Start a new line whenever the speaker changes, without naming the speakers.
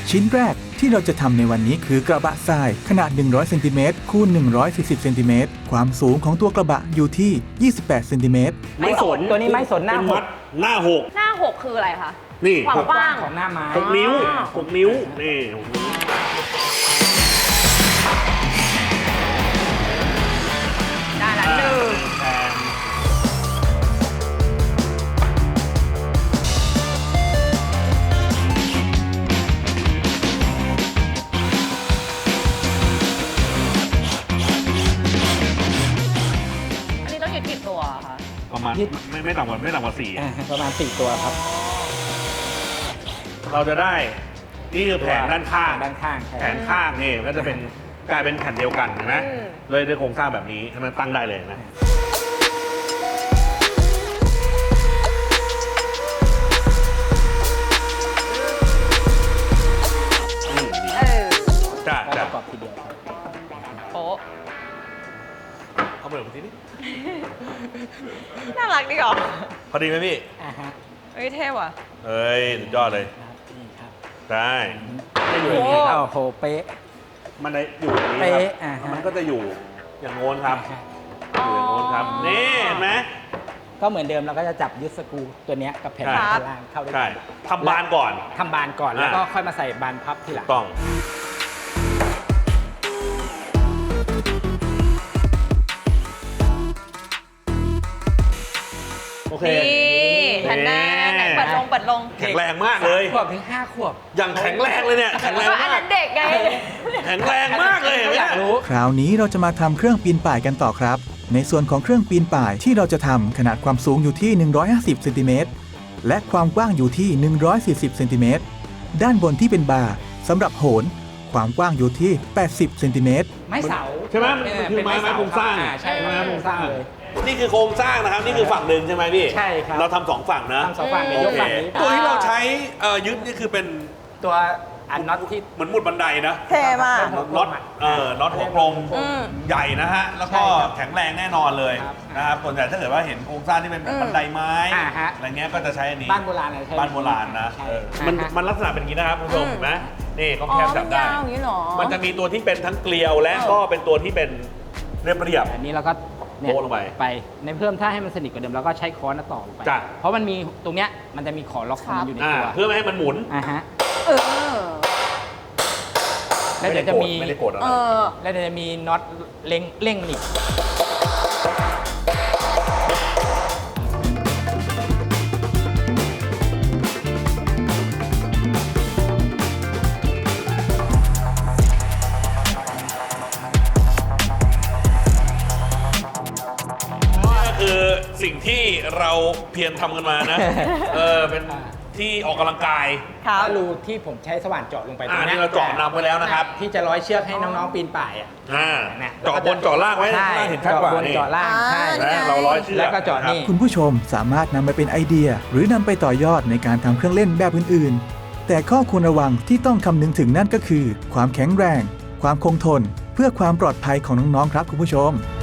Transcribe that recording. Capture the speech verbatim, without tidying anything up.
ชิ้นแรกที่เราจะทำในวันนี้คือกระบะทรายขนาดหนึ่งร้อยเซนติเมตรคูณหนึ่งร้อยสี่สิบเซนติเมตรความสูงของตัวกระบะอยู่ที่ยี่สิบแปดเซนติเมตร
ไม่สน
ตัวนี้ไม่สนหน้า
เป็น
ห
มั
ก
ดหน้าหก
หน้าหกคืออะไรคะ
นี่
ความกว้าง
ของหน้าไม้
หกนิ้ว
อ๋อ
หกนิ้วนี่หกนิ้ว
ได้ละหนึ่ง
แทน
อันนี้ต้องอยู่กี่ตัวคะ
ประมาณไม่ไม่ต่ำกว่าไม่ต่ำกว่าสี่
อ่าประมาณสี่ตัวครับ
เราจะได้นี่คือแผงด้านข้าง
ด้านข้างใช่
แผงข้างนี่ก็จะเป็นกลายเป็นแผ่นเดียวกันเห็นไหมเลยด้วยโครงสร้างแบบนี้ให้มันตั้งได้เลยนะอืมดี
เออ
จ้า
แล้ว
จ้า
ประกอบทีเดียวครับ
โป๊ะ
เอาไปเลยทีนี้
น่ารักดีเหรอ
พอดีไหมพี่
อ่าฮะ
เฮ้ยเท่ว่ะ
เฮ้ยสุดยอดเลย
ครับนี่ครับ
ได้ได้อยู่
โอ้
อย่างนี้ครับ
โอ้โหเป๊ะ
มันได้อยู่อย่างนี้
เป๊ะ
ค
อ่า
รับ
ฮะ
มันก็จะอยู่อย่างโน้นครับ
อ่าฮะ
อยู่อย่างโน้นครับนี่เห็นไหม
ก็เหมือนเดิมเราก็จะจับยึดสกรูตัวเนี้ยกับแผ่น
ใช่
ด้านล่างเข้าด้วย
ใช่
กัน
ทำบานก่อน
ทำบานก่อนแล้วก็ค่อยมาใส่บานพับทีหลัง
ต้องโอเค
นี่แผ่นหน้าไหนเปิดลงเปิดลง
แข็งแรงมากเลย
ขวบถึงห้าขวบ
อย่างแข็งแรงเลยเนี่ยแข็งแรง
ก็อัน
มา
นั้
ก
นเด็กไง
แข็งแรงมากเลยเห็นไหม
อยากรู้
คราวนี้เราจะมาทำเครื่องปีนป่ายกันต่อครับ ในส่วนของเครื่องปีนป่ายที่เราจะทำขนาดความสูงอยู่ที่หนึ่งร้อยห้าสิบเซนติเมตรและความกว้างอยู่ที่หนึ่งร้อยสี่สิบเซนติเมตรด้านบนที่เป็นบาร์สำหรับโหนความกว้างอยู่ที่แปดสิบเซนติเมตร
ไม้เสา
ใช่ไหมมัน
เ
คือไม้ไม้โครงสร้าง
อ่ใช่ไม้โครงสร้างเลย
นี่คือโครงสร้างนะครับนี่คือฝั่งหนึ่งใช่ไหมพี่
ใช่ครับ
เราทำสองฝั่งนะ
ทำสองฝั่งเดี๋ยว
โอย
ก
เค
ฝั่งนี้
ตัวที่เราใช้เอ่อยึดนี่คือเป็น
ตัวอันน็อตที่
เหมือนหมุดบันไดนะ
เท่มาก
น็อตเอ่อน็อตหัวกลม
อืม
ใหญ่นะฮะแล้วก็
ใช่ครับ
แข็งแรงแน่นอนเลย
ครับ
นะครับส่วนใหญ่ถ้าเกิดว่าเห็นโครงสร้างที่เป็นแบบบันไดไม้
อ่าฮะ
อะไรเงี้ยก็จะใช้อันนี้
บ้านโบราณอะไรใช่
บ้านโบราณนะ
ใช่
เออ
อ่าฮะ
มันมันลักษณะเป็นอย่างนี้นะครับคุณผู้ชมเห็นไหมนี่เขา
อ๋อ
แคบ
มั
จับ
น
ได้
ยาวอย่างนี้เหรอ
มันจะมีตัวที่เป็นทั้งเกลียวและ
เออ
ก็เป็นตัวที่เป็นเรียบเรียบ
อันนี้เราก็เนี่ย
โบ๊ะลงไป
ไปในเพิ่มถ้าให้มันสนิทกว่าเดิมเราก็ใช้ค้อนต่อลงไป
จ้ะ
เพราะมันมีตรงเนี้ยมันจะมีขอล็อกของมันอยู่ใน
อ่า
ตัว
เพื่อไม่ให้มันหมุน
อ่าฮะ
เออ
แล้วเดี๋ยวจะมี
ไม่ได้โกรธอะไร
เออ
แล้วเดี๋ยวจะมีน็อตเล็งเร่งหนีบ
นี่ก็คือสิ่งที่เราเพียรทำกันมานะ เออเป็นที่ออกกำลังกาย
ครับ
ถ้ารูที่ผมใช้สว่านเจาะลงไปตร
อ่าง
นี้
นี่เราเจาะนำไว้แล้วนะครับ
ที่จะร้อยเชือกให้น้องๆปีนป่ายอ่ะ
อ่า
เนี่ย
เจาะบนเจาะล่างไว้
ใช่
ล่างเห็นชัดกว่า
เจาะบน
นี่
เจาะล่างใช่
อ่า
นะเราร้อยเชือก
แล้วก็เจาะนี่
คุณผู้ชมสามารถนำไปเป็นไอเดีย หรือนำไปต่อยอดในการทำเครื่องเล่นแบบอื่นๆ แต่ข้อควรระวังที่ต้องคำนึงถึงนั่นก็คือ ความแข็งแรง ความคงทน เพื่อความปลอดภัยของน้องๆครับคุณผู้ชม